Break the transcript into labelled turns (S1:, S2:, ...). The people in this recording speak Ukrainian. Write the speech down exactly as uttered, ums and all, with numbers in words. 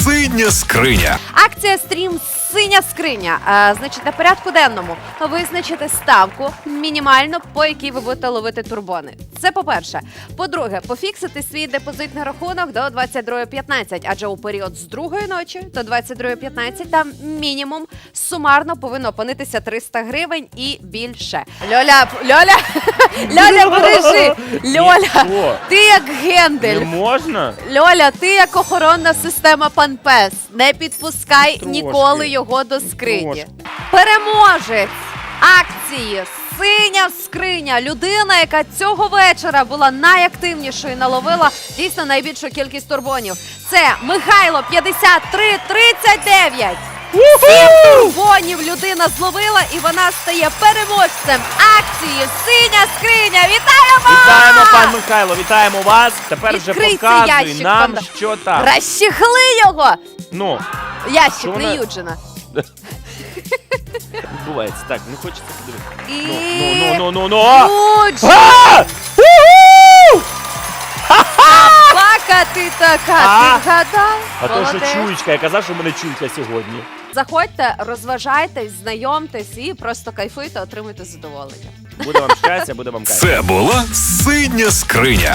S1: Синя скриня.
S2: Акція стрім «Синя скриня». А, значить, на порядку денному визначити ставку мінімально, по якій ви будете ловити турбони. Це по-перше. По-друге, пофіксити свій депозитний рахунок до двадцять другої п'ятнадцять, адже у період з другої ночі до двадцять другої п'ятнадцять там мінімум сумарно повинно опинитися триста гривень і більше. Льоля, Льоля, Льоля, бережи! Льоля,
S3: Що?
S2: ти як Гендель.
S3: Не можна?
S2: Льоля, ти як охоронна система пан Пес. Не підпускай
S3: Трошки.
S2: ніколи його до скрині.
S3: Трошки.
S2: Переможець акції «Синя скриня». Людина, яка цього вечора була найактивнішою, наловила дійсно найбільшу кількість турбонів. Це Михайло п'ятдесят три тридцять дев'ять. Сім турбонів людина зловила, і вона стає переможцем акції «Синя скриня». Вітаємо!
S3: Вітаємо, пан Михайло, вітаємо вас. Тепер вже
S2: Відкрий цей
S3: показуй
S2: ящик,
S3: нам,
S2: пан-
S3: що там.
S2: Розчехли його!
S3: Ну,
S2: Ящик
S3: Що
S2: не
S3: вона-
S2: Юджина.
S3: відбувається. Так, не хочеться подивитися.
S2: І...
S3: Ну, ну, ну, ну, ну, ну.
S2: Юджин!
S3: А! Уху!
S2: Бака ти така,
S3: А?
S2: ти вгадав?
S3: А то, що
S2: Молодець.
S3: чуєчка, я казав, що в мене чуйка сьогодні.
S2: Заходьте, розважайтесь, знайомтесь і просто кайфуйте, отримуйте задоволення.
S3: Буде вам щастя, буде вам кайф.
S1: Це була синя скриня.